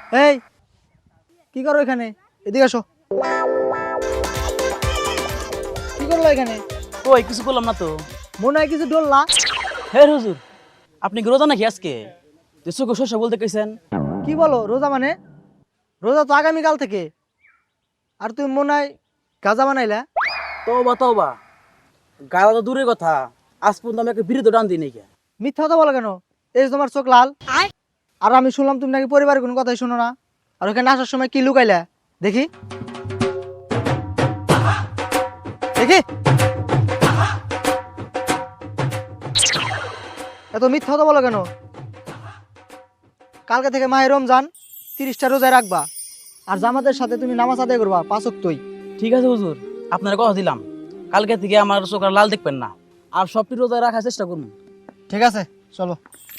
এই কি করো এখানে? এদিকে আসো। কি করলো এখানে? কই কিছু করলাম না তো। মনে হয় কিছু ডললা। হে হুজুর, আপনি কি রোজা নাকি আজকে? চোখে শস্য বলতে কইছেন। কি বলো রোজা মানে? রোজা তো আগামীকাল থেকে। আর তুমি মনে হয় গাজা বানাইলা। তওবা তওবা, গালা তো দূরের কথা, আজ পর্যন্ত আমি একটা বিরুদ্ধ টান দিই নাই কে। মিথ্যা কথা বলো কেন? এই যে তোমার চোখ লাল। আর আমি শুনলাম তুমি নাকি পরিবারের কোনো কথাই শোনো না। আর ওখানে আসার সময় কি লুকাইলা দেখি দেখি। এত মিথ্যা কথা বলো কেন? কালকে থেকে মাহে রমজান, 30টা রোজায় রাখবা। আর জামাতের সাথে তুমি নামাজ আদায় করবা 5 ওয়াক্তই। ঠিক আছে হুজুর, আপনার কথা দিলাম, কালকে থেকে আমার চোখ আর লাল দেখবেন না, আর সবটি রোজা রাখার চেষ্টা করুন। ঠিক আছে, চলো।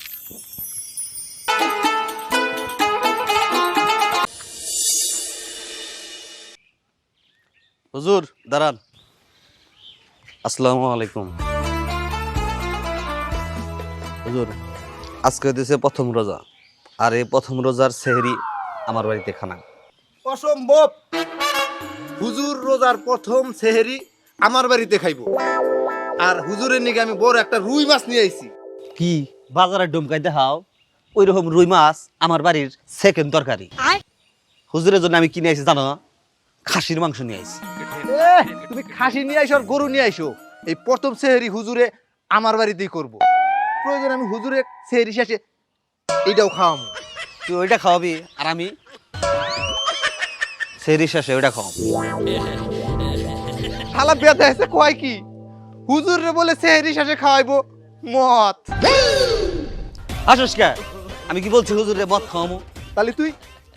হুজুর দাঁড়ান। আসসালামু আলাইকুম। হুজুর, আজকে দিয়েছে প্রথম রোজা, আর এই প্রথম রোজার সেহরি আমার বাড়িতে খানা। অসম্ভব। হুজুর রোজার প্রথম সেহেরি আমার বাড়িতে খাইব। আর হুজুরের নিকে আমি বড় একটা রুই মাছ নিয়ে আইছি। কি বাজারে ডুমকাই দেখাও? ওই রকম রুই মাছ আমার বাড়ির সেকেন্ড তরকারি। হুজুরের জন্য আমি কিনে আইছি জানো, খাসির মাংস নিয়ে আইছি। তুমি খাসি নিয়ে আইসো আর গরু নিয়ে আইসো, এই প্রথম সেহেরি হুজুরে আমার বাড়িতেই করব। প্রয়োজন আমি হুজুরে সেহেরি শেষে এইটাও খাওয়াবো। তুই ওইটা খাওয়াবি আর আমি সেহরি শেষে ওইটা খাওয়াবো। শালা বেদা এসে কয় কি? হুজুরে বলে সেহেরি শেষে খাওয়াইবো মদ। আসস কে? আমি কি বলছি হুজুরে মদ খাওয়াবো? তাহলে তুই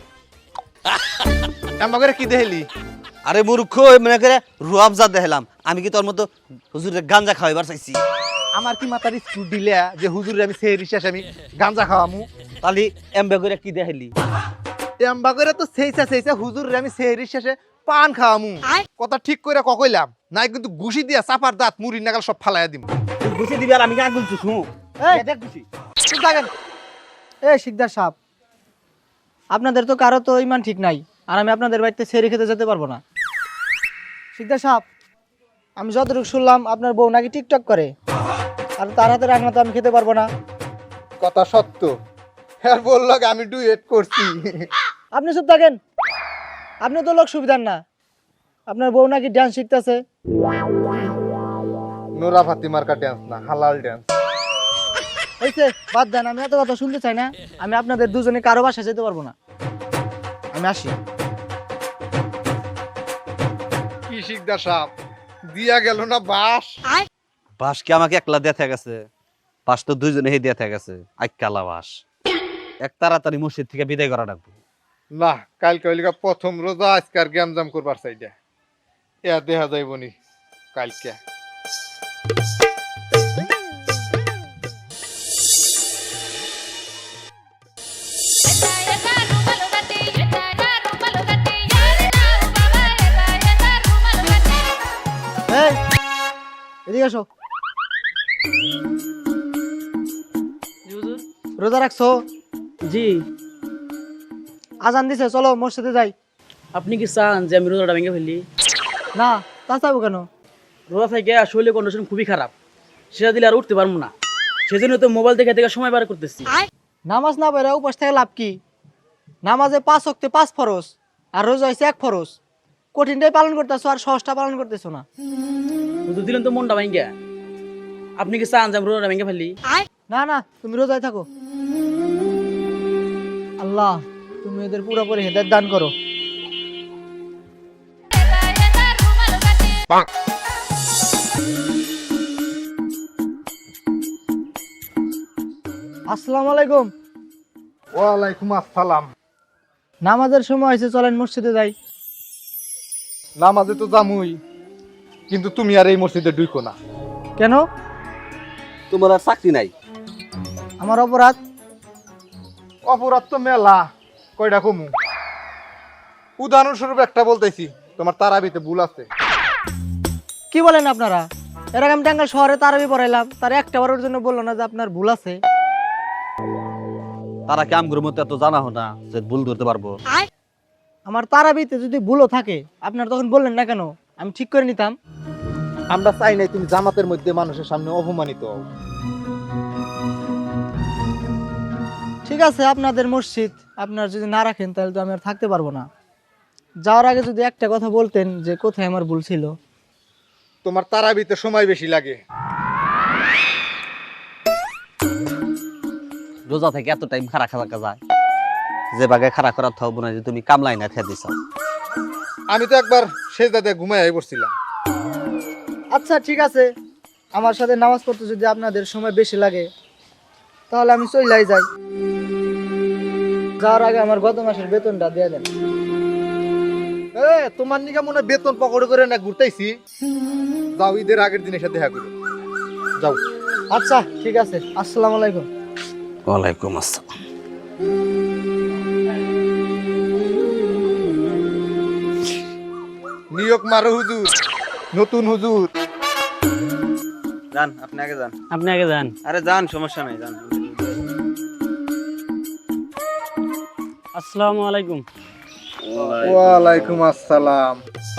আমাকে কি দেখলি? আরে মূর্খ, মনে করে রুয়াবজা দেখলাম। আমি কি তোর মতো হুজুরে গাঞ্জা খাওয়াইবার চাইছি? আমার কি মাথার স্কুট দিলে যে হুজুরে আমি সেহেরি শেষে আমি গাঞ্জা খাওয়ামু? তাহলে এমবে করে কি দেখলি? এম্বা করে তো সেইসা সেইসা হুজুরে আমি সেহেরির শেষে পান খাওয়ামু। কথা ঠিক করে কইলাম নাই কিন্তু ঘুষি দিয়া চাপার দাঁত মুড়ি নাগাল সব ফালাইয়া দিম। তুই গুছিয়ে দিবি আর আমি গান বলছি শুনো। এই চুপ থাকেন। এই শিকদার সাহেব, আপনাদের তো কারো তো ইমান ঠিক নাই, আর আমি আপনাদের বাড়িতে সেরি খেতে যেতে পারবো না। শিকদার সাহেব, আমি যতটুকু শুনলাম আপনার বউ নাকি টিকটক করে, আর তার হাতে রান্না তো আমি খেতে পারবো না। কথা সত্য। হ্যাঁ বললো আমি ডুয়েট করছি। আপনি চুপ থাকেন। আপনি তো লোক সুবিধার না। আপনার বউ নাকি ডান্স শিখতেছে। নোরা ফাতিমার কা ড্যান্স না, হালাল ড্যান্স। হয়েছে, বাদ দেন, আমি এত কথা শুনতে চাই না। আমি আপনাদের দুজনে কারো বাসায় যেতে পারবো না। আমি আসি। কি শিকদার সাহেব দিয়া গেল না বাস? বাস কি আমাকে একলা দেয়া গেছে? বাস তো দুইজনে হে দেয়া গেছে। আইকালা বাস এক তাড়াতাড়ি মসজিদ থেকে বিদায় করা ডাকবো। না, কালকে হইলিকা প্রথম রোজা, আজকার গ্যামজাম করবার চাইডা এ দেখা যাইব নি কালকে। এই, এদিকে আসো। রোজা রাখছো? জি। আজান দিছে, চলো মসজিদে যাই। আপনি কি চান যে আমি রোজাটা ভেঙে ফেলি? না, তা চাবো কেন? রোজা থেকে শরীরের কন্ডিশন খুবই খারাপ, সেটা দিলে আর উঠতে পারবো না। সেজন্য তো মোবাইল দেখে দেখে সময় বার করতেছি। নামাজ না পড়ে উপাস থেকে লাভ কি? নামাজে 5 ওয়াক্তে 5 ফরজ, আর রোজা হইছে 1 ফরজ। কঠিনটাই পালন করতেছো আর সহজটা পালন করতেছো না। হুজুর দিলেন তো মনটা ভেঙে। আপনি কি চান যে আমি রোজাটা ভেঙে ফেলি? না না, তুমি রোজায় থাকো। আল্লাহ, তুমি এদের পুরোপুরি হেদায়েত দান করো। আসসালামু আলাইকুম। ওয়ালাইকুম আসসালাম। নামাজের সময় হয়েছে, চলেন মসজিদে যাই। নামাজে তো জামুই, কিন্তু তুমি আর এই মসজিদে ঢুকো না। কেন? তোমার আর চাকরি নাই? আমার অপরাধ? অপরাধ তো মেলা, কয়টা কমু। উদাহরণস্বরূপ একটা বলতেছি, তোমার তারাবিতে ভুল আছে। কি বলেন আপনারা? এর আগে আমি টাঙ্গাইল শহরে তারাবি পড়াইলাম, তার একটা বারের জন্য বললো না যে আপনার ভুল আছে। তারা কি আমগুলোর মতো এত জানা হো না যে ভুল ধরতে পারবো? আমার তারাবিতে যদি ভুলও থাকে আপনার তখন বললেন না কেন? আমি ঠিক করে নিতাম। আমরা চাই নাই তুমি জামাতের মধ্যে মানুষের সামনে অপমানিত হও। ঠিক আছে, আপনাদের মসজিদ আপনার যদি না রাখেন তাহলে তো আমি আর থাকতে পারবো না। যাওয়ার আগে যদি একটা কথা বলতেন যে কোথায় আমার ভুল ছিল। তোমার তারাবিতে সময় বেশি লাগে। রোজা থেকে এত টাইম খারা খাওয়া যায়, যে বাগে খারা করার থাকবো না যে তুমি কামলাই না খেয়ে দিছ। আমি তো একবার সেজদাতে ঘুমাই পড়ছিলাম। আচ্ছা ঠিক আছে, আমার সাথে নামাজ পড়তে যদি আপনাদের সময় বেশি লাগে তাহলে আমি চইলাই যাই। যাওয়ার আগে আমার গত মাসের বেতনটা দিয়ে দেন। তোমার নিকা মনে হয় বেতন পকড়ে করে না ঘুরতেছি। যাও, ঈদের আগের দিনের সাথে দেখা করো। যাও। আচ্ছা ঠিক আছে, আসসালামু আলাইকুম। ওয়ালাইকুম আসসালাম। নিয়োগ মারো হুজুর, নতুন হুজুর। যান, আপনি আগে যান। আপনি আগে যান। আরে যান, সমস্যা নাই, যান। আসসালামু আলাইকুম। ওয়ালাইকুম আসসালাম।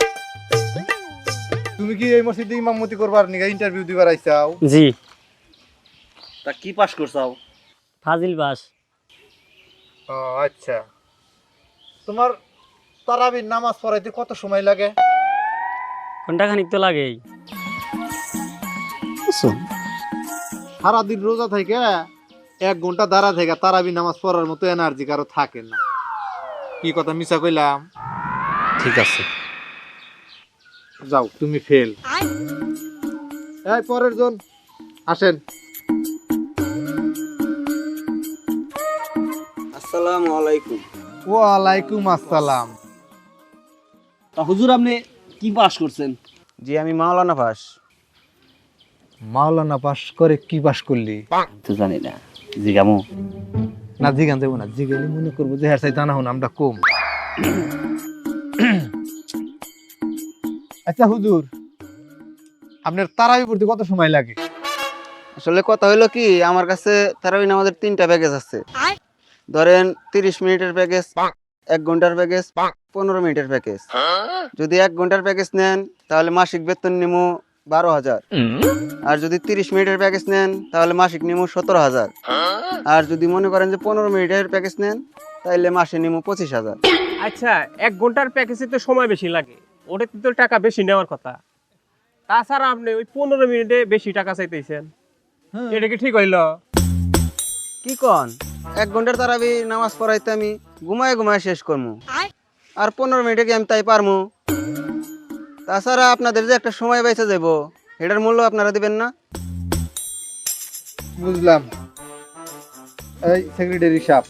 তুমি কি এই মসজিদে ইমামতি করবার নিগা ইন্টারভিউ দিবার আইছাও? জি। তা কি পাস করছাও? ফাজিল বাস। ও আচ্ছা। তোমার তারাবির নামাজ পড়াইতে কত সময় লাগে? ঘন্টাখানিক তো লাগেই। সারাদিন রোজা থেকে 1 ঘন্টা দাঁড়া থেকে তারাবি নামাজ পড়ার মতো এনার্জি কারো থাকে না। কি কথা মিছা কইলাম? ঠিক আছে। যাও, তুমি ফেল। এই পরের জন আসেন। আসসালামু আলাইকুম। ওয়ালাইকুম আসসালাম। তা হুজুর, আপনি কি পাস করছেন? জি, আমি মাওলানা পাস। মাওলানা পাস করে কি পাস করলি? তো জানি না, জিগামু। না জিগান যাবো না, জিগালি মনে করবো যে হ্যাঁ জানা হন আমরা কম। আচ্ছা হুজুর, আপনার তারাবি পড়তে কত সময় লাগে? আসলে কথা হইলো কি, আমার কাছে তারাবি নামাজের 3টা প্যাকেজ আছে। ধরেন 30 মিনিটের প্যাকেজ, 1 ঘন্টার প্যাকেজ, 15 মিনিটের প্যাকেজ। যদি 1 ঘন্টার প্যাকেজ নেন তাহলে মাসিক বেতন নিমু 12,000। আর যদি 30 মিনিটের প্যাকেজ নেন তাহলে মাসিক নিমু 17,000। আর যদি মনে করেন যে 15 মিনিটের প্যাকেজ নেন তাহলে মাসে নিমু 25,000। আচ্ছা, 1 ঘন্টার প্যাকেজে তো সময় বেশি লাগে, ওটাতে তো টাকা বেশি নেওয়ার কথা। তাছাড়া আপনি ওই 15 মিনিটে বেশি টাকা চাইতেছেন, এটা কি ঠিক হইল? কি কন, 1 ঘন্টার তারাবি নামাজ পড়াইতে আমি ঘুমায় ঘুমায় শেষ করবো, আর 15 মিনিটে কি আমি তাই পারমু? তাছাড়া আপনাদের যে একটা সময় বেঁচে যাব, এটার মূল্য আপনারা দিবেন না? বুঝলাম। এই সেক্রেটারি সাহেব,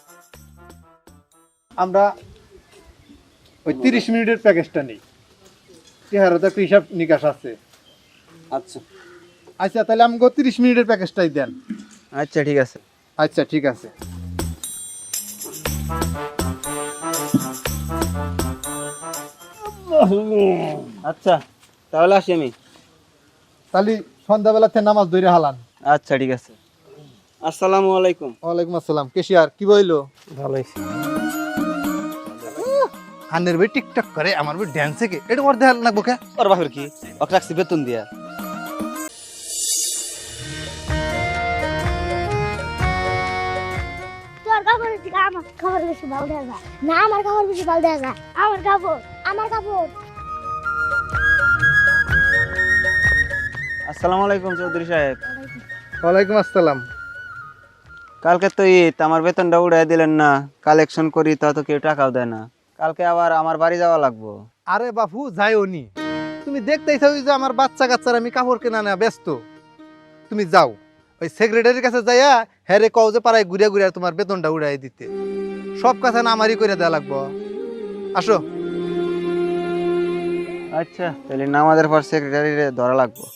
আমরা ওই 30 মিনিটের প্যাকেজটা নেই। চেহারা তো একটা হিসাব নিকাশ আছে। আচ্ছা আচ্ছা, তাহলে আমাকে 30 মিনিটের প্যাকেজটাই দেন। আচ্ছা ঠিক আছে। আচ্ছা ঠিক আছে। আচ্ছা তাহলে আসি আমি। তাহলে সন্ধ্যাবেলাতে নামাজ ধরে হালান। আচ্ছা ঠিক আছে। আসসালামু আলাইকুম। ওয়ালাইকুম আসসালাম। কেশিয়ার কি বইলো? ভালো হয়েছে। আনের ভাই টিকটক করে, আমার ভাই ড্যান্সে কে এটা ওর দেখাল না বোকা। ওর বাপের কি, ওকে রাখছি বেতন দিয়া। তোর কাপড়ের থেকে আমার কাপড় বেশি ভালো দেখা যায় না, আমার কাপড় বেশি ভালো দেখা যায়। আমার কাপড়, আমার কাপড়। আসসালামু আলাইকুম চৌধুরী সাহেব। ওয়ালাইকুম আসসালাম। কালকে তো ঈদ, আমার বেতনটা উড়াই দিলেন না। কালেকশন করি তা তো কেউ টাকাও দেয় না। কালকে আবার আমার বাড়ি যাওয়া লাগবো। আরে বাপু যাইও নি, তুমি দেখতেই চাও যে আমার বাচ্চা কাচ্চার আমি কাপড় কেনা না ব্যস্ত। তুমি যাও ওই সেক্রেটারির কাছে যাইয়া হ্যারে কও যে পাড়ায় ঘুরে ঘুরে তোমার বেতনটা উড়াই দিতে। সব কথা না আমারই করে দেওয়া লাগবো। আসো। আচ্ছা তাহলে নামাজের পর সেক্রেটারিরে ধরা লাগবো।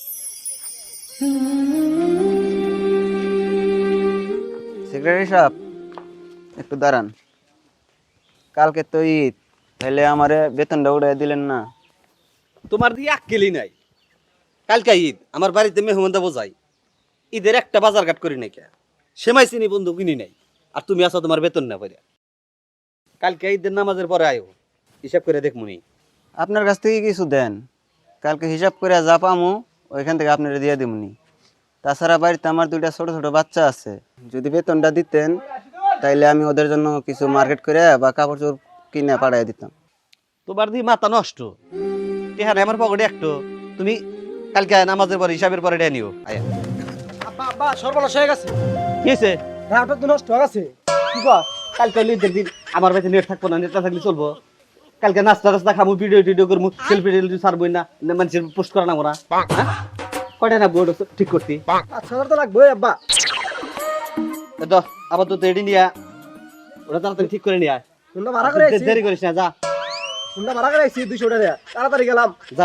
সেক্রেটারি সাহেব একটু দাঁড়ান। কালকে তো ঈদ, তাহলে আমারে বেতনটা উড়াই দিলেন না? তোমার দিয়ে আক্কেলই নাই। কালকে ঈদ, আমার বাড়িতে মেহমান দেবো যাই। ঈদের একটা বাজার ঘাট করি নাই কে, সেমাই চিনি বন্ধু কিনি নাই। আর তুমি আছো তোমার বেতন না পড়ে। কালকে ঈদের নামাজের পরে আয়ো, হিসাব করে দেখমুনি। আপনার কাছ থেকে কিছু দেন, কালকে হিসাব করে যা পামু ওইখান থেকে আপনারা দিয়ে দিমনি। তাছাড়া বাড়িতে আমার 2টা ছোট ছোট বাচ্চা আছে, যদি বেতনটা দিতেন তাইলে আমি ওদের জন্য কিছু মার্কেট করে বা কাপড় চোপড় কিনে পাঠিয়ে দিতাম। তোমার দিয়ে মাথা নষ্ট, টেহারে আমার পকেটে একটো। তুমি কালকে নামাজের পরে হিসাবের পরে নিও আয়া। আব্বা আব্বা সর্বনাশ হয়ে গেছে, কি হয়েছে? রাউটার তো নষ্ট হয়ে গেছে। কি কর? কালকে হলো ঈদের দিন, আমার বাড়িতে নেট থাকবো না, নেট না থাকলে চলবো? কালকে নাস্তা টাস্তা খাবো, ভিডিও টিডিও করবো, সেলফি টেলফি ছাড়বোই না, মানুষের পোস্ট করা না মোরা। কয়টা না বোর্ড ঠিক করতি? 5,000 তো লাগবে আব্বা। আবার তো রেডি নিয়া ওটা তাড়াতাড়ি ঠিক করে নিয়ে আয়। শুনটা ভাড়া করে আইছি, দেরি করিস না, যা শুনটা ভাড়া করে আইছি 200 টাকা, তাড়াতাড়ি গেলাম। যা।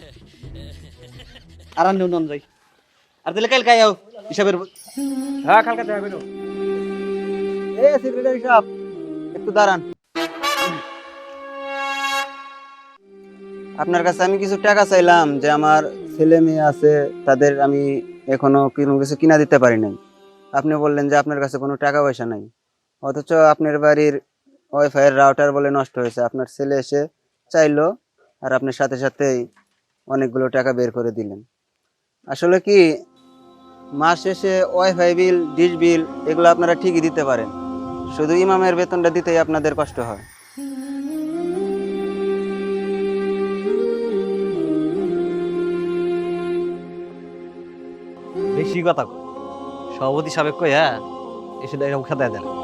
আর আন নন যাই। আর তাহলে কালকে আয় হিসাবের। হ্যাঁ কালকে দেখা করো। এ সেক্রেটারি সাহেব একটু দাঁড়ান, আপনার কাছে আমি কিছু টাকা চাইলাম, যে আমার ছেলে মেয়ে আছে তাদের আমি এখনো কোনো কিছু কিনা দিতে পারি নাই। আপনি বললেন যে আপনার কাছে কোনো টাকা পয়সা নাই, অথচ আপনার বাড়ির ওয়াইফাই এর রাউটার বলে নষ্ট হয়েছে। আপনার ছেলে এসে চাইলো আর আপনার সাথে সাথেই অনেকগুলো টাকা বের করে দিলেন। আসলে কি মাস শেষে ওয়াইফাই বিল, ডিশ বিল এগুলো আপনারা ঠিকই দিতে পারেন, শুধু ইমামের বেতনটা দিতেই আপনাদের কষ্ট হয়। বেশি কথা কয়। সভাপতি সাবেক কই, হ্যাঁ এসে খেতে দিলাম।